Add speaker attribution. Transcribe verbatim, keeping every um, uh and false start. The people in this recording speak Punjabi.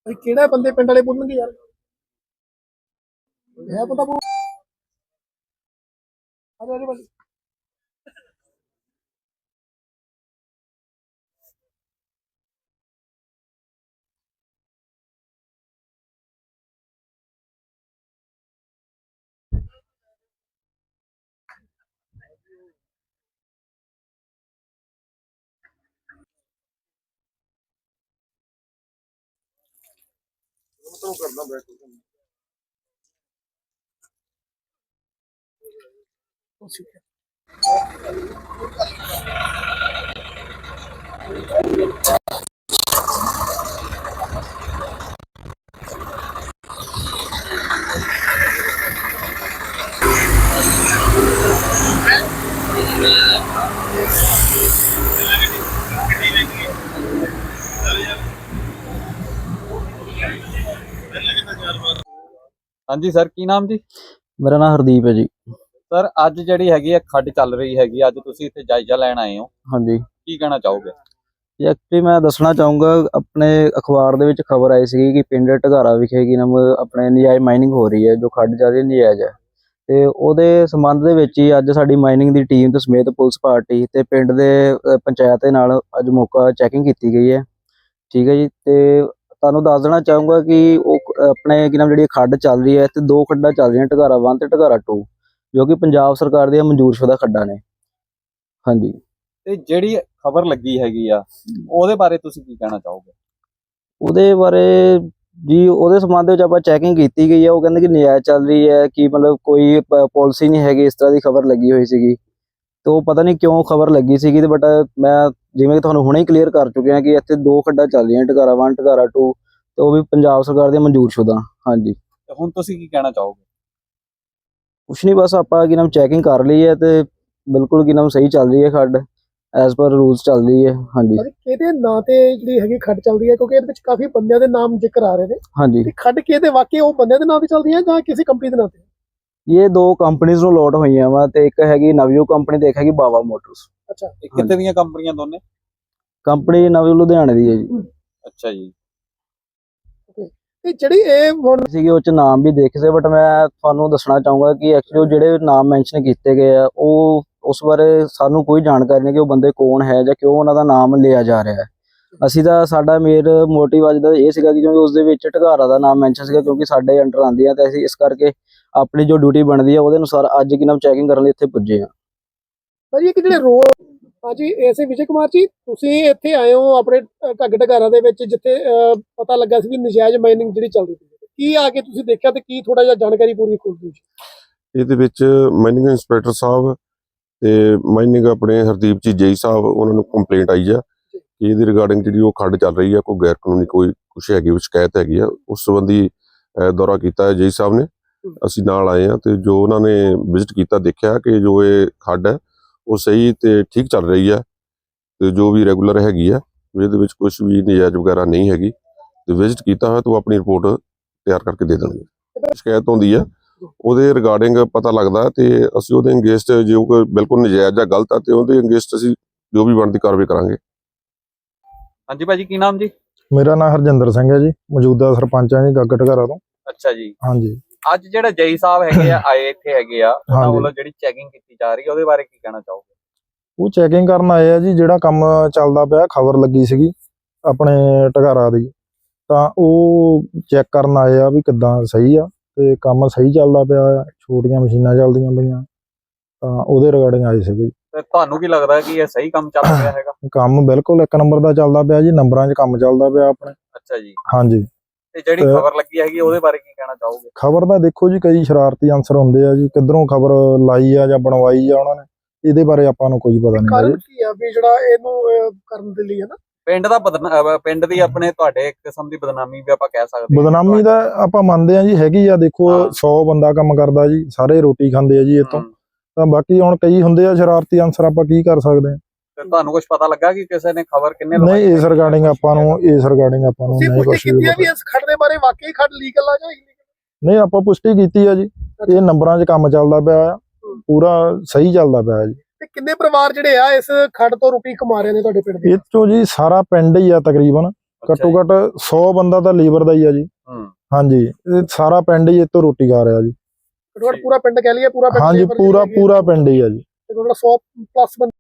Speaker 1: ਕਿਹੜਾ ਬੰਦੇ ਪਿੰਡ ਵਾਲੇ ਬੋਲਣਗੇ ਯਾਰ ਇਹ ਬੰਦਾ ਬੋਲ ਅਰੇ ਅਰੇ ਵਾਲੀ ਕਰਨਾ ਬੈਠ
Speaker 2: हाँ जी सर की नाम जी?
Speaker 3: मेरा नाम हरदीप है जी।
Speaker 2: सर अज जिहड़ी हैगी है खड्ड चल रही हैगी अज तुसीं इत्थे जायजा लैण आए हो
Speaker 3: हाँ जी
Speaker 2: की कहना चाहोगे?
Speaker 3: जी एक्चुअली मैं दसना चाहूँगा अपने अखबार दे विच खबर आई सी कि पिंड ढगारा विखे की नाम अपने नजायज़ माइनिंग हो रही है जो खड्ड चल रही नजायज़ है ते ओहदे संबंध दे विच ही अज साडी माइनिंग दी टीम ते समेत पुलिस पार्टी ते पिंड दे पंचायत दे नाल अज मौका चैकिंग कीती गई है। ठीक है जी। ते तुहानूं दस देना चाहूँगा कि ਉਹ अपने की नाम जी खड्ड चल रही है तो दो खड्डा चल रही ढगारा वन ते ढगारा टू जो कि पंजाब सरकार दी मंजूरशुदा खड्डा ने। हाँ जी
Speaker 2: ते ਜਿਹੜੀ ਖਬਰ ਲੱਗੀ ਹੈਗੀ ਆ ਉਹਦੇ ਬਾਰੇ ਤੁਸੀਂ ਕੀ ਕਹਿਣਾ ਚਾਹੋਗੇ?
Speaker 3: ਉਹਦੇ ਬਾਰੇ ਜੀ ਉਹਦੇ ਸੰਬੰਧ ਵਿੱਚ ਆਪਾਂ ਚੈਕਿੰਗ ਕੀਤੀ ਗਈ ਹੈ। ਉਹ ਕਹਿੰਦੇ ਕਿ ਨਜਾਇਜ਼ ਚੱਲ ਰਹੀ ਹੈ ਕਿ ਮਤਲਬ ਕੋਈ ਪਾਲਿਸੀ ਨਹੀਂ ਹੈਗੀ, ਇਸ ਤਰ੍ਹਾਂ ਦੀ ਖਬਰ ਲੱਗੀ ਹੋਈ ਸੀਗੀ। ਤੇ ਉਹ ਪਤਾ ਨਹੀਂ ਕਿਉਂ ਖਬਰ ਲੱਗੀ ਸੀਗੀ ਤੇ ਬਟ ਮੈਂ ਜਿਵੇਂ ਕਿ ਤੁਹਾਨੂੰ ਹੁਣੇ ਹੀ ਕਲੀਅਰ ਕਰ ਚੁੱਕਿਆ ਕਿ ਇੱਥੇ ਦੋ ਖੱਡਾਂ ਚੱਲ ਰਹੀਆਂ ਢਗਾਰਾ ਵਨ ਢਗਾਰਾ ਟੂ ਤੇ ਉਹ ਵੀ ਪੰਜਾਬ ਸਰਕਾਰ ਦੀਆਂ ਮਨਜ਼ੂਰਸ਼ੁਦਾ। ਹਾਂਜੀ
Speaker 2: ਤੇ ਹੁਣ ਤੁਸੀਂ ਕੀ ਕਹਿਣਾ ਚਾਹੋਗੇ?
Speaker 3: ਕੁਛ ਨਹੀਂ, ਬਸ ਆਪਾਂ ਕੀ ਨਾਮ ਚੈਕਿੰਗ ਕਰ ਲਈ ਹੈ ਤੇ ਬਿਲਕੁਲ ਕੀ ਨਾਮ ਸਹੀ ਚੱਲ ਰਹੀ ਹੈ ਖੱਡ ਐਜ਼ ਪਰ ਰੂਲਸ ਚੱਲ ਰਹੀ ਹੈ। ਹਾਂਜੀ
Speaker 1: ਕਿਹਦੇ ਨਾਂ ਤੇ ਜਿਹੜੀ ਹੈਗੀ ਖੱਡ ਚੱਲਦੀ ਹੈ ਕਿਉਂਕਿ ਇਹਦੇ ਵਿੱਚ ਕਾਫੀ ਬੰਦਿਆਂ ਦੇ ਨਾਮ ਜ਼ਿਕਰ ਆ ਰਹੇ ਨੇ।
Speaker 3: ਹਾਂਜੀ
Speaker 1: ਤੇ ਖੱਡ ਕਿਹਦੇ ਵਾਕਈ ਉਹ ਬੰਦਿਆਂ ਦੇ ਨਾਂ ਤੇ ਚੱਲਦੀ ਹੈ ਜਾਂ ਕਿਸੇ ਕੰਪਨੀ ਦੇ ਨਾਂ ਤੇ?
Speaker 3: ਇਹ ਦੋ ਕੰਪਨੀਆਂ ਨੂੰ ਲੋਟ ਹੋਈਆਂ ਵਾ ਤੇ ਇੱਕ ਹੈਗੀ ਨਵਯੂ ਕੰਪਨੀ ਤੇ ਇੱਕ ਹੈਗੀ ਬਾਵਾ ਮੋਟਰਸ।
Speaker 1: ਅੱਛਾ
Speaker 2: ਇਹ ਕਿੱਥੇ ਦੀਆਂ ਕੰਪਨੀਆਂ ਦੋਨੇ?
Speaker 3: ਕੰਪਨੀ ਨਵਯੂ ਲੁਧਿਆਣੇ ਦੀ ਹੈ ਜੀ।
Speaker 2: ਅੱਛਾ ਜੀ।
Speaker 1: ਤੇ ਜਿਹੜੀ ਇਹ ਹੁਣ
Speaker 3: ਸੀਗੇ ਉਹ ਚ ਨਾਮ ਵੀ ਦੇਖੇ ਸੀ ਬਟ ਮੈਂ ਤੁਹਾਨੂੰ ਦੱਸਣਾ ਚਾਹੂੰਗਾ ਕਿ ਐਕਚੁਅਲੀ ਉਹ ਜਿਹੜੇ ਨਾਮ ਮੈਂਸ਼ਨ ਕੀਤੇ ਗਏ ਆ ਉਹ ਉਸ ਬਾਰੇ ਸਾਨੂੰ ਕੋਈ ਜਾਣਕਾਰੀ ਨਹੀਂ ਕਿ ਉਹ ਬੰਦੇ ਕੌਣ ਹੈ ਜਾਂ ਕਿਉਂ ਉਹਨਾਂ ਦਾ ਨਾਮ ਲਿਆ ਜਾ ਰਿਹਾ ਹੈ। ਅਸੀਂ ਤਾਂ ਸਾਡਾ ਮੇਨ ਮੋਟਿਵ ਅੱਜ ਦਾ ਇਹ ਸੀਗਾ ਕਿ ਕਿਉਂਕਿ ਉਸ ਦੇ ਵਿੱਚ ਢਗਾਰਾ ਦਾ ਨਾਮ ਮੈਂਸ਼ਨ ਸੀਗਾ ਕਿਉਂਕਿ ਸਾਡੇ ਅੰਡਰ ਆਉਂਦੀ ਆ ਤੇ ਅਸੀਂ ਇਸ ਕਰਕੇ ਆਪਣੀ ਜੋ ਡਿਊਟੀ ਬਣਦੀ ਆ ਉਹਦੇ ਅਨੁਸਾਰ ਅੱਜ ਕੀ ਨਾਮ ਚੈਕਿੰਗ ਕਰਨ ਲਈ ਇੱਥੇ ਪੁੱਜੇ ਆ।
Speaker 1: ਭਾਜੀ ਇੱਕ ਜਿਹੜੇ ਰੋਡ ਹਾਂਜੀ ਐਸੇ ਵਿਜੇ ਕੁਮਾਰ ਜੀ ਤੁਸੀਂ ਇੱਥੇ ਆਏ ਹੋ ਆਪਣੇ ਘੱਗ ਢਗਾਰਾ ਦੇ ਵਿੱਚ ਜਿੱਥੇ ਪਤਾ ਲੱਗਾ ਸੀ ਵੀ ਨਜਾਇਜ਼ ਮਾਈਨਿੰਗ ਜਿਹੜੀ ਚੱਲਦੀ ਸੀ, ਕੀ ਆ ਕੇ ਤੁਸੀਂ ਦੇਖਿਆ ਤੇ ਕੀ ਥੋੜਾ ਜਿਹਾ ਜਾਣਕਾਰੀ ਪੂਰੀ ਖੋਲ ਦਿਓ?
Speaker 4: ਇਹਦੇ ਵਿੱਚ ਮਾਈਨਿੰਗ ਇੰਸਪੈਕਟਰ ਸਾਹਿਬ ਤੇ ਮਾਈਨਿੰਗ ਆਪਣੇ ਹਰਦੀਪ ਜੀ ਜੇਈ ਸਾਹਿਬ ਉਹਨਾਂ ਨੂੰ ਕੰਪਲੇਂਟ ਆਈ ਆ ਕਿ ਇਹਦੀ ਰਿਗਾਰਡਿੰਗ ਜਿਹੜੀ ਉਹ ਖੱਡ ਚੱਲ ਰਹੀ ਆ ਕੋਈ ਗੈਰ ਕਾਨੂੰਨੀ ਕੋਈ ਕੁਛ ਹੈਗੀ ਉਹ ਸ਼ਿਕਾਇਤ ਹੈਗੀ ਆ। ਉਸ ਸੰਬੰਧੀ ਦੌਰਾ ਕੀਤਾ ਹੈ ਜੇਈ ਸਾਹਿਬ ਨੇ, ਅਸੀਂ ਨਾਲ ਆਏ ਆ ਤੇ ਜੋ ਉਹਨਾਂ ਨੇ ਵਿਜ਼ਿਟ ਕੀਤਾ ਦੇਖਿਆ ਕਿ ਜੋ ਇਹ ਖੱਡ ਹੈ ਉਹ ਸਹੀ ਤੇ ਠੀਕ ਚੱਲ ਰਹੀ ਆ ਤੇ ਜੋ ਵੀ ਰੈਗੂਲਰ ਹੈਗੀ ਆ ਇਹਦੇ ਵਿੱਚ ਕੁਝ ਵੀ ਨਜਾਇਜ਼ ਵਗੈਰਾ ਨਹੀਂ ਹੈਗੀ ਤੇ ਵਿਜ਼ਿਟ ਕੀਤਾ ਹੋਇਆ ਤਾਂ ਆਪਣੀ ਰਿਪੋਰਟ ਤਿਆਰ ਕਰਕੇ ਦੇ ਦੇਣਗੇ। ਸ਼ਿਕਾਇਤ ਹੁੰਦੀ ਆ ਉਹਦੇ ਰਿਗਾਰਡਿੰਗ ਪਤਾ ਲੱਗਦਾ ਤੇ ਅਸੀਂ ਉਹਦੇ ਅਗੇਂਸਟ ਜੋ ਕੋਈ ਬਿਲਕੁਲ ਨਜਾਇਜ਼ ਜਾਂ ਗਲਤ ਆ ਤੇ ਉਹਦੇ ਅਗੇਂਸਟ ਅਸੀਂ ਜੋ ਵੀ ਬਣਦੀ ਕਾਰਵਾਈ ਕਰਾਂਗੇ।
Speaker 2: ਹਾਂਜੀ ਭਾਜੀ ਕੀ ਨਾਮ ਜੀ?
Speaker 5: ਮੇਰਾ ਨਾਮ ਹਰਜਿੰਦਰ ਸਿੰਘ ਹੈ ਜੀ, ਮੌਜੂਦਾ ਸਰਪੰਚ ਹਾਂ ਜੀ ਗੱਗ ਢਗਾਰਾ ਤੋਂ।
Speaker 2: ਅੱਛਾ ਜੀ।
Speaker 5: ਹਾਂਜੀ
Speaker 2: ਅੱਜ ਜਿਹੜਾ ਜੇਈ ਸਾਹਿਬ ਹੈਗੇ ਆ ਆਏ ਇੱਥੇ ਹੈਗੇ ਆ ਉਹਨਾਂ ਵੱਲੋਂ ਜਿਹੜੀ ਚੈਕਿੰਗ ਕੀਤੀ ਜਾ ਰਹੀ ਹੈ ਉਹਦੇ ਬਾਰੇ ਕੀ ਕਹਿਣਾ ਚਾਹੋਗੇ?
Speaker 5: ਉਹ ਚੈਕਿੰਗ ਕਰਨ ਆਏ ਆ ਜੀ, ਜਿਹੜਾ ਕੰਮ ਚੱਲਦਾ ਪਿਆ ਖਬਰ ਲੱਗੀ ਸੀਗੀ ਆਪਣੇ ਢਗਾਰਾ ਦੀ ਤਾਂ ਉਹ ਚੈੱਕ ਕਰਨ ਆਏ ਆ ਵੀ ਕਿੱਦਾਂ ਸਹੀ ਆ ਤੇ ਕੰਮ ਸਹੀ ਚੱਲਦਾ ਪਿਆ, ਛੋਟੀਆਂ ਮਸ਼ੀਨਾਂ ਚੱਲਦੀਆਂ ਪਈਆਂ ਤਾਂ ਉਹਦੇ ਰਿਗਾਰਡਿੰਗ ਆਏ ਸੀਗੇ।
Speaker 2: ਤੇ ਤੁਹਾਨੂੰ ਕੀ ਲੱਗਦਾ ਕਿ ਇਹ ਸਹੀ ਕੰਮ ਚੱਲ ਰਿਹਾ ਹੈਗਾ?
Speaker 5: ਕੰਮ ਬਿਲਕੁਲ ਇੱਕ ਨੰਬਰ ਦਾ ਚੱਲਦਾ ਪਿਆ ਜੀ, ਨੰਬਰਾਂ 'ਚ ਕੰਮ ਚੱਲਦਾ ਪਿਆ ਆਪਣੇ।
Speaker 2: ਅੱਛਾ ਜੀ।
Speaker 5: ਹਾਂਜੀ
Speaker 2: ਤੇ ਜਿਹੜੀ ਖਬਰ ਲੱਗੀ ਹੈਗੀ ਉਹਦੇ ਬਾਰੇ ਕੀ ਕਹਿਣਾ ਚਾਹੋਗੇ?
Speaker 5: ਖਬਰ ਦਾ ਦੇਖੋ ਜੀ ਕਈ ਸ਼ਰਾਰਤੀ ਅਨਸਰ ਹੁੰਦੇ ਆ ਜੀ, ਕਿੱਧਰੋਂ ਖਬਰ ਲਾਈ ਆ ਜਾਂ ਬਣਵਾਈ ਆ ਉਹਨਾਂ ਨੇ, ਇਹਦੇ ਬਾਰੇ ਆਪਾਂ ਨੂੰ ਕੋਈ ਪਤਾ ਨਹੀਂ।
Speaker 1: ਕਾਰਨ ਕੀ ਆ ਵੀ ਜਿਹੜਾ ਇਹਨੂੰ ਕਰਨ ਦੇ ਲਈ ਹੈ ਨਾ
Speaker 2: ਪਿੰਡ ਦਾ ਪਿੰਡ ਦੀ ਆਪਣੇ ਤੁਹਾਡੇ ਇੱਕ ਕਿਸਮ ਦੀ ਬਦਨਾਮੀ ਵੀ ਆਪਾਂ ਕਹਿ ਸਕਦੇ ਹਾਂ।
Speaker 5: ਬਦਨਾਮੀ ਦਾ ਆਪਾਂ ਮੰਨਦੇ ਆ ਜੀ ਹੈਗੀ ਆ। ਦੇਖੋ ਸੌ ਬੰਦਾ ਕੰਮ ਕਰਦਾ ਜੀ, ਸਾਰੇ ਰੋਟੀ ਖਾਂਦੇ ਆ ਜੀ ਇੱਥੋਂ, ਤਾਂ ਬਾਕੀ ਹੁਣ ਕਈ ਹੁੰਦੇ ਆ ਸ਼ਰਾਰਤੀ ਅਨਸਰ, ਆਪਾਂ ਕੀ ਕਰ ਸਕਦੇ ਆ।
Speaker 2: ਤੇ ਤੁਹਾਨੂੰ ਕੁਝ ਪਤਾ ਲੱਗਾ ਕਿ ਕਿਸੇ ਨੇ ਖਬਰ ਕਿੰਨੇ
Speaker 5: ਨਹੀਂ ਇਸ ਰਿਗਾਰਡਿੰਗ ਆਪਾਂ ਨੂੰ ਇਸ ਰਿਗਾਰਡਿੰਗ ਆਪਾਂ ਨੂੰ ਨਹੀਂ ਕੁਝ
Speaker 1: ਵੀ ਇਸ ਖੱਡ ਦੇ ਬਾਰੇ ਵਾਕਈ ਖੱਡ ਲੀਗਲ ਆ ਜਾਂ ਇਲੀਗਲ?
Speaker 5: ਨਹੀਂ ਆਪਾਂ ਪੁਸ਼ਟੀ ਕੀਤੀ ਆ ਜੀ, ਇਹ ਨੰਬਰਾਂ 'ਚ ਕੰਮ ਚੱਲਦਾ ਪਿਆ ਆ, ਪੂਰਾ ਸਹੀ ਚੱਲਦਾ ਪਿਆ ਜੀ।
Speaker 1: ਤੇ ਕਿੰਨੇ ਪਰਿਵਾਰ ਜਿਹੜੇ ਆ ਇਸ ਖੱਡ ਤੋਂ ਰੋਟੀ ਕਮਾ ਰਹੇ ਨੇ ਤੁਹਾਡੇ ਪਿੰਡ ਦੇ?
Speaker 5: ਇਹ ਚੋਂ ਜੀ ਸਾਰਾ ਪਿੰਡ ਹੀ ਆ ਤਕਰੀਬਨ, ਘੱਟੋ ਘੱਟ ਸੌ ਬੰਦਾ ਤਾਂ ਲੀਵਰ ਦਾ ਹੀ ਆ ਜੀ।
Speaker 2: ਹੂੰ
Speaker 5: ਹਾਂਜੀ, ਇਹ ਸਾਰਾ ਪਿੰਡ ਹੀ ਇੱਥੋਂ ਰੋਟੀ ਖਾ ਰਿਹਾ ਜੀ।
Speaker 1: ਘੱਟੋ ਘੱਟ ਪੂਰਾ ਪਿੰਡ ਕਹਿ ਲਈਏ, ਪੂਰਾ ਪਿੰਡ
Speaker 5: ਹਾਂਜੀ,
Speaker 1: labor
Speaker 5: ਪੂਰਾ
Speaker 1: ਜਿਹੜੇ ਹੈਗੇ,
Speaker 5: ਪੂਰਾ ਪਿੰਡ ਹੀ ਆ ਜੀ।
Speaker 1: ਘੱਟੋ ਘੱਟ ਸੌ ਪਲੱਸ